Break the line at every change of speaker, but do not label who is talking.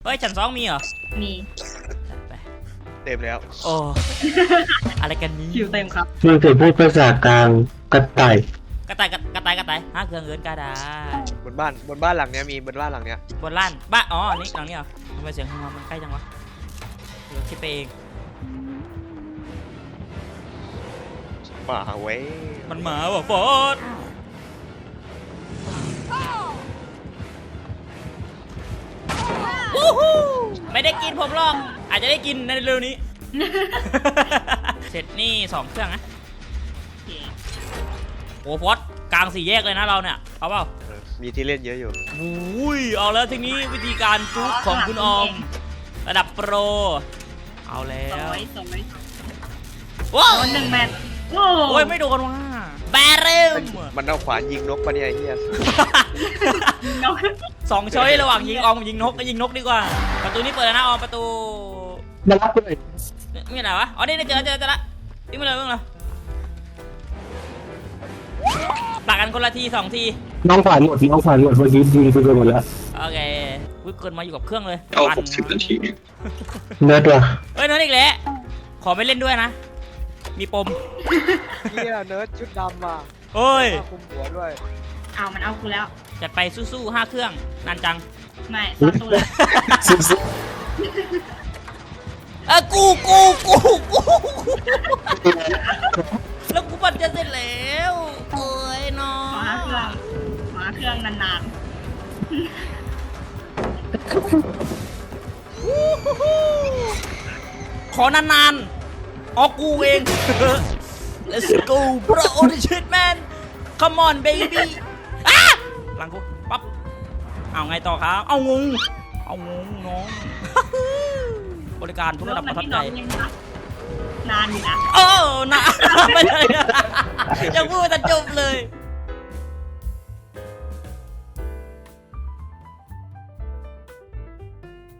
เฮ้ยชั้นสองมีเหรอ
มี
ไป
เต็มแล้ว
โอ้ อะไรกันนี้
คิวเต็มครับ
มึงเคยพูดภาษากลางกระต่าย
กระต่ายฮะเครื่องเงินกระดาษ
บนบ้านหลังเนี้ยมีบนบ้านหลังเนี้ย
บนล้านบ้านอ๋อนี่หลังนี้เหรอทำไมเสียงของมันใกล้จังวะเดี๋ยวคิดไปเอง
หมาเว้ย
มันหมาว่ะฟอสวู้ฮู้ไม่ได้กินผมหรอกอาจจะได้กินในเร็วนี้ เสร็จนี่2เครื่องนะ
โอเค
โอ้ฟอสกลาง4แยกเลยนะเราเนี่ยเอาเปล่า
มีที่เล่นเยอะอยู่
อุ้ยเอาแล้วทีนี้วิธีการจุกของคุณออมระดับโปรเอาแล้
ส
ว
วยสวย
ว้าว
โดน1 แมตช์โอ้
โอ้ยไม่โดนว่ะแบเรม
มันเอาขวานยิงนกปะเนี่ยไอ้เหี้ย
นก
2 ช้อยระหว่างยิงออมกับยิงนกก็ยิงนกดีกว่าประตูนี้เปิดแล้วนะออมประตู
มารับกูหน่อย
มีอะไรวะอ๋อนี่เจอละวิ่งมาเลยตักกันคนละที2 ที
น้องขวานหมดเมื่อกี้ยิงไปหมดแล้ว
โอเควิเกินมาอยู่กับเครื่องเลย
เอา
ปั่น
60 นาที
เนื้อตัว
เฮ้ยนั่นอีกแล้วขอไม่เล่นด้วยนะ มีปม
เหี้ยเนิร์ดชุดดำอ่ะ
เฮ้ย
ผ้าคลุมหัวด้วย
เอามันเอากูแล้ว
จัดไปสู้ๆ5 เครื่องนานจัง
ไม่ซ่อนตัวแล้ว
ซุบ
กูแล้วกูปั่นจะเสร็จแล้วโอ้ยน้อ
ขอ5 เครื่องนาน
ขอนานๆอ๋อกูเอง Let's go bro the shit man come on baby อ่ะหลังกูปั๊บเอาไงต่อครับเอางงน้อง บริการ
ๆ
ทุกระดับประทับ
พี่
ใจ
น้องยังครับนานอยู่นะ
โอ้นะไม่ใช่